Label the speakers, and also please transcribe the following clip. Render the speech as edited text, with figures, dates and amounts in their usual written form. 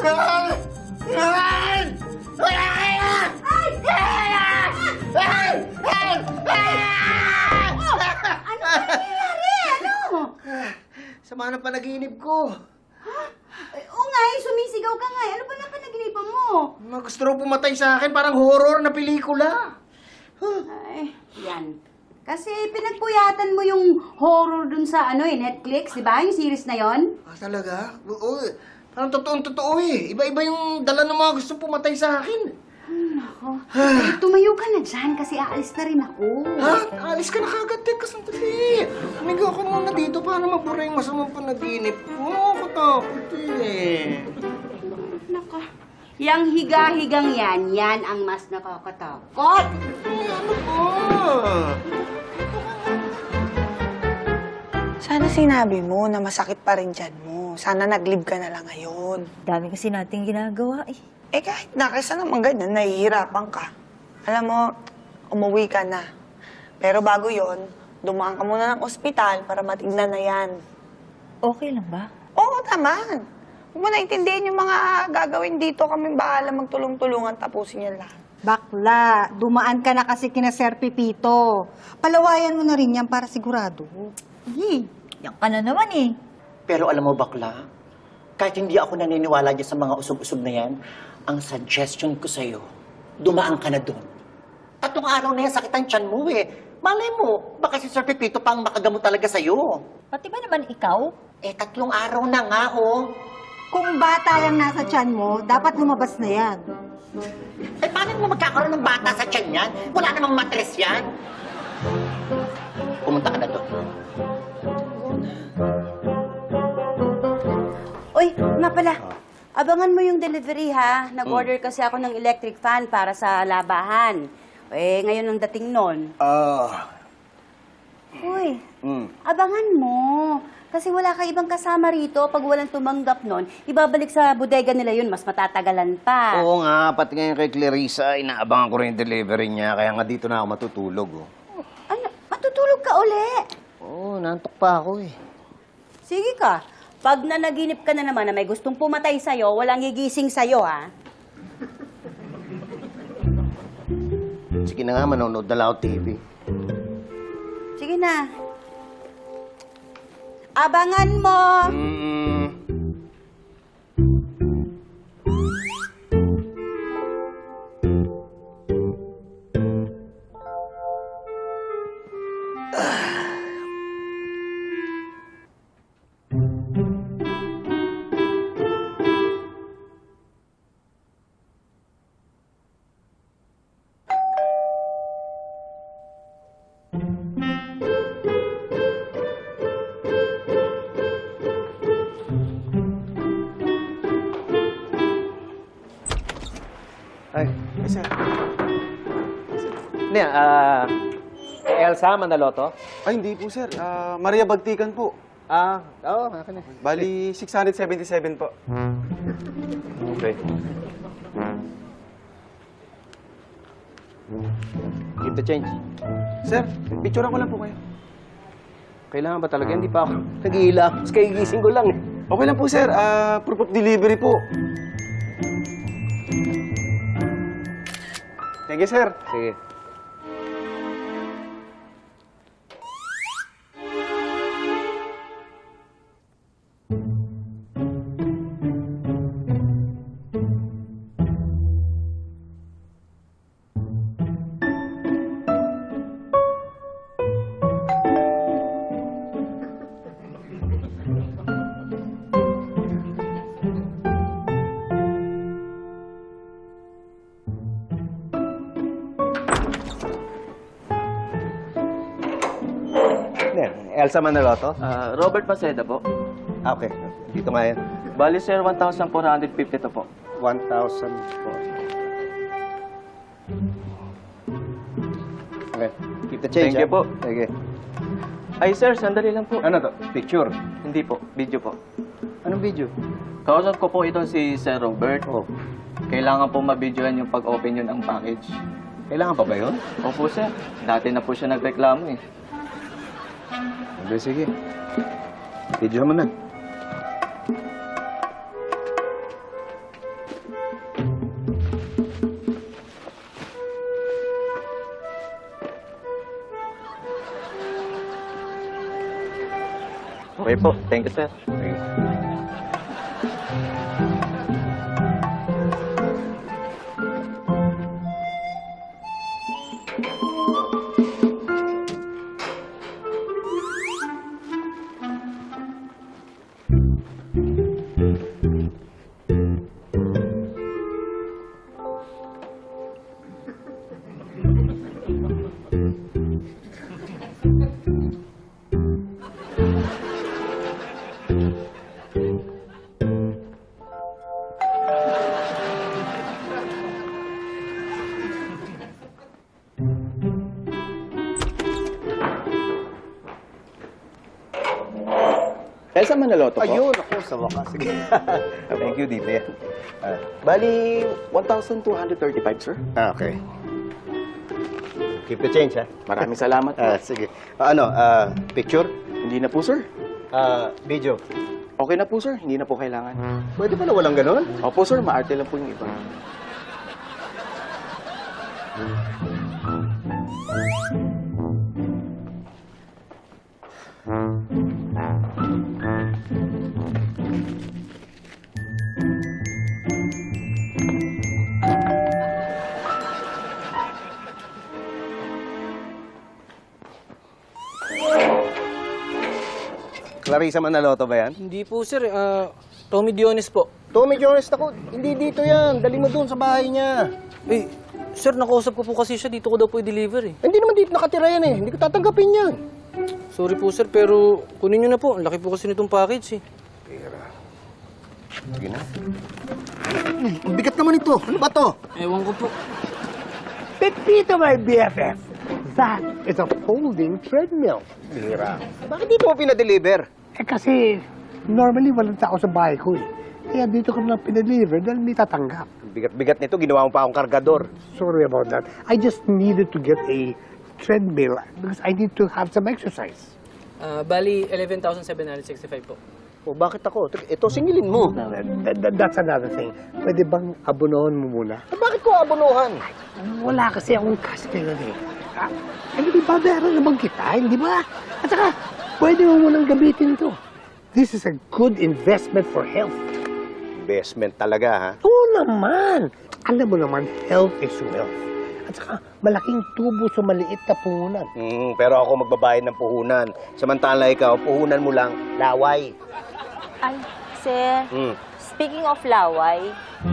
Speaker 1: Sama ng panaginip ko.
Speaker 2: Oo nga eh, sumisigaw ka nga eh. Ano ba na panaginipan mo?
Speaker 1: Gusto raw pumatay sa akin, parang horror na pelikula.
Speaker 2: Ay, yan. Kasi pinagpuyatan mo yung horror dun sa Netflix, di ba? Yung series na yon.
Speaker 1: Ah, talaga? Oo, parang totoong-totoo eh. Iba-iba yung dala ng mga gusto pumatay sa akin.
Speaker 2: Nako. Eh, tumayo ka na dyan kasi aalis na rin ako.
Speaker 1: Ha? Alis ka na kagad, Teka, sandali. Humiga ako muna dito para mabura yung masamang panaginip ko. Nakatakot eh.
Speaker 2: Nako. Yang higa-higang yan ang mas nakakatakot.
Speaker 1: Ay, ano ba?
Speaker 3: Sana sinabi mo na masakit pa rin dyan mo. Sana nag-leave ka na lang ngayon.
Speaker 4: Dami kasi nating ginagawa eh.
Speaker 3: Eh kahit na, kaysa naman ganyan, nahihirapan ka. Alam mo, umuwi ka na. Pero bago yon, dumaan ka muna ng ospital para matignan na yan.
Speaker 4: Okay lang ba?
Speaker 3: Oo naman. Huwag mo naintindihan yung mga gagawin dito. Kaming bahala magtulong-tulungan tapusin yan lahat.
Speaker 5: Bakla, dumaan ka na kasi kina Sir Pipito. Palawayan mo na rin yan para sigurado.
Speaker 4: Yan ka na naman eh.
Speaker 6: Pero alam mo, bakla, kahit hindi ako naniniwala dyan sa mga usog-usog na yan, ang suggestion ko sa'yo, dumaan ka na doon. 3 araw na yan, sakit ang tiyan mo eh. Malay mo, baka si Sir Pepito pang makagamot talaga sa'yo.
Speaker 4: Pati ba naman ikaw?
Speaker 6: Eh, 3 araw na nga, oh.
Speaker 5: Kung bata lang nasa tiyan mo, dapat lumabas na yan.
Speaker 6: Eh, paano mo magkakaroon ng bata sa tiyan yan? Wala namang matres yan. Pumunta ka na doon.
Speaker 2: Uy, nga pala. Abangan mo yung delivery ha. Nag-order kasi ako ng electric fan para sa labahan. Eh, ngayon ang dating nun. Uy, abangan mo. Kasi wala ka ibang kasama rito. Pag walang tumanggap nun, ibabalik sa bodega nila yun. Mas matatagalan pa.
Speaker 1: Oo nga, pati ngayon kay Clarissa, inaabangan ko rin yung delivery niya. Kaya nga dito na ako matutulog. Oh.
Speaker 2: Ano? Matutulog ka uli?
Speaker 1: Oo, nantok pa ako eh.
Speaker 2: Sige ka. Pag nanaginip ka na naman na may gustong pumatay sa'yo, walang gigising sa'yo, ha?
Speaker 1: Sige na nga, manonood na lang ako TV.
Speaker 2: Sige na. Abangan mo!
Speaker 7: Ay, sir. Ano yan? Elsa Manaloto?
Speaker 8: Ay, hindi po, sir. Maria Bagtikan po.
Speaker 7: Oo, akin na.
Speaker 8: Bali, 677 po.
Speaker 7: Okay. Keep the change.
Speaker 8: Sir, picturean ko lang po kayo.
Speaker 7: Kailangan ba talaga? Hindi pa ako nag-iila. Mas kagigising ko lang eh.
Speaker 8: Okay lang po, sir. Proof of delivery po. Thank you, sir.
Speaker 7: Sige. Elsa Manaloto?
Speaker 9: Robert Paseda po.
Speaker 7: Okay. Dito nga yan.
Speaker 9: Bali, sir, 1,450 to po.
Speaker 7: 1,000 po. Okay. Keep the change.
Speaker 9: Thank you po.
Speaker 7: Sige.
Speaker 9: Ay, sir, sandali lang po.
Speaker 7: Ano to? Picture?
Speaker 9: Hindi po, video po.
Speaker 7: Anong video?
Speaker 9: Kausap ko po ito si Sir Robert.
Speaker 7: Oh.
Speaker 9: Kailangan po mabidyohan yung pag-open yun ng package.
Speaker 7: Kailangan pa ba yun?
Speaker 9: Opo, sir. Dati na po siya nagreklamo eh.
Speaker 7: Okay, sige. Video mo na.
Speaker 9: Okay po. Thank you, sir. Elsa Manaloto po?
Speaker 7: Ayun, ako, sa wakas. Sige.
Speaker 9: Thank you, dito yan.
Speaker 7: Bali, 1,235, sir.
Speaker 1: Okay. Keep the change, ha?
Speaker 9: Maraming salamat po.
Speaker 1: Sige. Picture?
Speaker 9: Hindi na po, sir.
Speaker 1: Video?
Speaker 9: Okay na po, sir. Hindi na po kailangan.
Speaker 1: Pwede pala walang ganon?
Speaker 9: Opo, sir. Maarte lang po yung iba.
Speaker 1: Clarissa Manaloto ba yan?
Speaker 10: Hindi po, sir. Tommy Dionis po.
Speaker 1: Tommy Jones, ako, hindi dito yan. Dali mo doon sa bahay niya.
Speaker 10: Eh, sir, nakausap ko po kasi siya. Dito ko daw po i-deliver eh.
Speaker 1: Hindi naman dito nakatira yan eh. Hindi ko tatanggapin yan.
Speaker 10: Sorry po, sir, pero kunin nyo na po. Ang laki po kasi nitong package eh.
Speaker 1: Sige na. Ang bigat naman ito. Ano ba to?
Speaker 10: Ewan ko po.
Speaker 7: Pepito, my BFF. That is a folding treadmill.
Speaker 1: Bira. Bakit dito mo pinadeliver?
Speaker 7: Eh kasi, normally walang tao sa bahay ko eh. Kaya dito ko lang pinadeliver dahil may tatanggap.
Speaker 1: Ang bigat-bigat nito. Ginawa mo pa akong kargador.
Speaker 7: Sorry about that. I just needed to get a treadmill because I need to have some exercise.
Speaker 10: Bali, 11,765 po.
Speaker 1: O bakit ako? Ito, singilin mo.
Speaker 7: That's another thing. Pwede bang abunohan mo muna?
Speaker 1: Bakit ko abunuhan?
Speaker 7: Wala kasi akong cash ngayon eh. Ano di ba, meron naman kita, hindi ba? At saka, pwede mo munang gamitin to. This is a good investment for health.
Speaker 1: Investment talaga, ha?
Speaker 7: Oo naman. Alam mo naman, health is wealth. At saka, malaking tubo sa maliit na puhunan.
Speaker 1: Pero ako magbabayad ng puhunan. Samantala ikaw, puhunan mo lang, laway.
Speaker 2: Ay, sir,
Speaker 1: Mm.
Speaker 2: speaking of laway,